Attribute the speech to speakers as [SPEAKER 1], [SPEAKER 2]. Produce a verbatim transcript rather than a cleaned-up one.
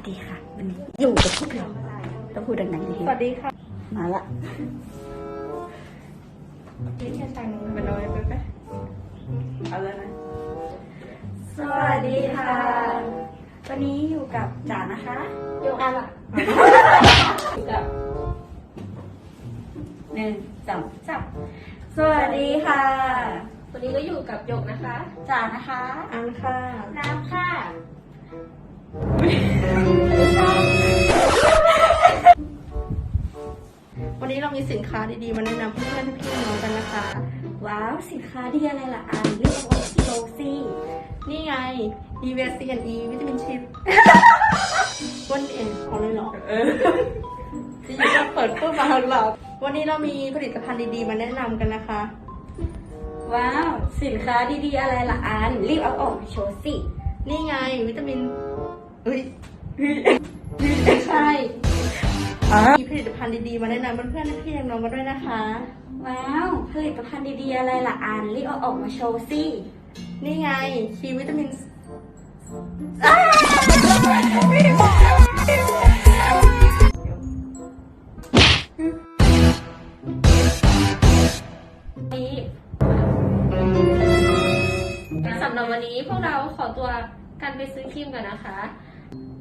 [SPEAKER 1] ดีค่ะวันนี้อยู่กับพวกเราต้องพูดดังๆดี
[SPEAKER 2] สวัสดีค่ะ
[SPEAKER 1] มาละ
[SPEAKER 2] นี่แค่ทางมันน้อยไปไหมเอาแล้วนะ
[SPEAKER 1] สวัสดีค่ะ วันนี้อยู่กับจ๋านะคะ
[SPEAKER 2] โยกอะไรกับ
[SPEAKER 1] หนึ่งสองสามสวัสดีค่ะ
[SPEAKER 2] วันนี้ก็อยู่กับโยกนะคะ
[SPEAKER 1] จ๋านะคะ
[SPEAKER 2] อันค่ะ
[SPEAKER 1] น้ำค่ะ
[SPEAKER 2] วันนี้เรามีสินค้าดีๆมาแนะนำเพื่อนๆพี่ๆน้องๆกันนะคะ
[SPEAKER 1] ว้าวสินค้าดีอะไรล่ะอันเรื่องของโรซี่
[SPEAKER 2] นี่ไง อี วี ซี and E วิตามินชิพวันเองของเลยเหรอจะอยู่ก็เปิดพูดมาหลับวันนี้เรามีผลิตภัณฑ์ดีๆมาแนะนำกันนะคะ
[SPEAKER 1] ว้าวสินค้าดีๆอะไรล่ะอันรีบเอาออกมาโชว์สิ
[SPEAKER 2] นี่ไงวิตามินเฮ้ยไม่ใช่มีผลิตภัณฑ์ดีๆมาแนะนำเพื่อนๆพี่ๆน้องๆกันด้วยนะคะ
[SPEAKER 1] ว้าวผลิตภัณฑ์ดีๆอะไรล่ะอันรีบเอาออกมาโชว์สิ
[SPEAKER 2] นี่ไงคีวิตามินสำหรับวันนี้พวกเราขอตัวกันไปซื้อครีมกันนะคะ